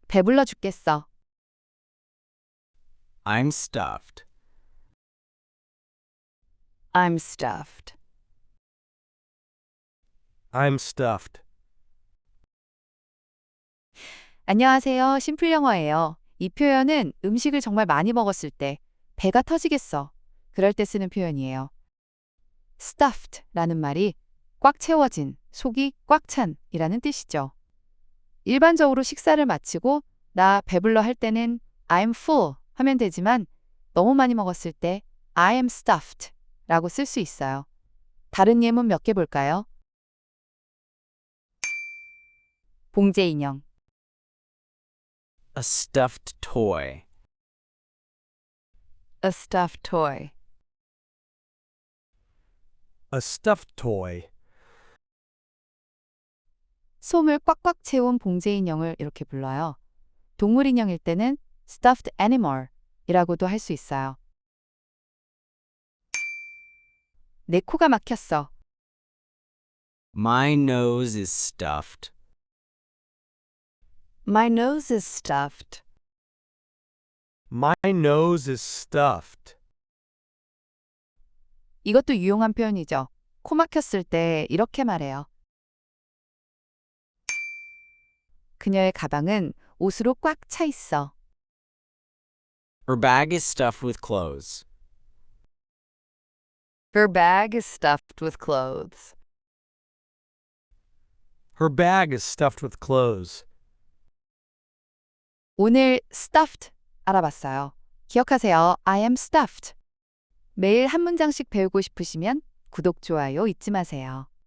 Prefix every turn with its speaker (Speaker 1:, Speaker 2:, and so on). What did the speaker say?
Speaker 1: 배불러 죽겠어.
Speaker 2: I'm stuffed.
Speaker 1: I'm stuffed.
Speaker 3: I'm stuffed.
Speaker 1: 안녕하세요. 심플 영어예요. 이 표현은 음식을 정말 많이 먹었을 때 배가 터지겠어. 그럴 때 쓰는 표현이에요. stuffed라는 말이 꽉 채워진, 속이 꽉 찬이라는 뜻이죠. 일반적으로 식사를 마치고 나 배불러 할 때는 I'm full 하면 되지만 너무 많이 먹었을 때 I am stuffed 라고 쓸 수 있어요. 다른 예문 몇 개 볼까요? 봉제 인형,
Speaker 2: A stuffed toy.
Speaker 1: a stuffed toy.
Speaker 3: A stuffed toy.
Speaker 1: 솜을 꽉꽉 채운 봉제 인형을 이렇게 불러요. 동물 인형일 때는 stuffed animal 이라고도 할 수 있어요. 내 코가 막혔어.
Speaker 2: My nose is stuffed.
Speaker 1: My nose is stuffed.
Speaker 3: My nose is stuffed.
Speaker 1: 이것도 유용한 표현이죠. 코 막혔을 때 이렇게 말해요. 그녀의 가방은 옷으로 꽉 차 있어.
Speaker 2: Her bag is stuffed with clothes.
Speaker 1: Her bag is stuffed with clothes.
Speaker 3: Her bag is stuffed with clothes.
Speaker 1: 오늘 stuffed 알아봤어요. 기억하세요. I am stuffed. 매일 한 문장씩 배우고 싶으시면 구독, 좋아요 잊지 마세요.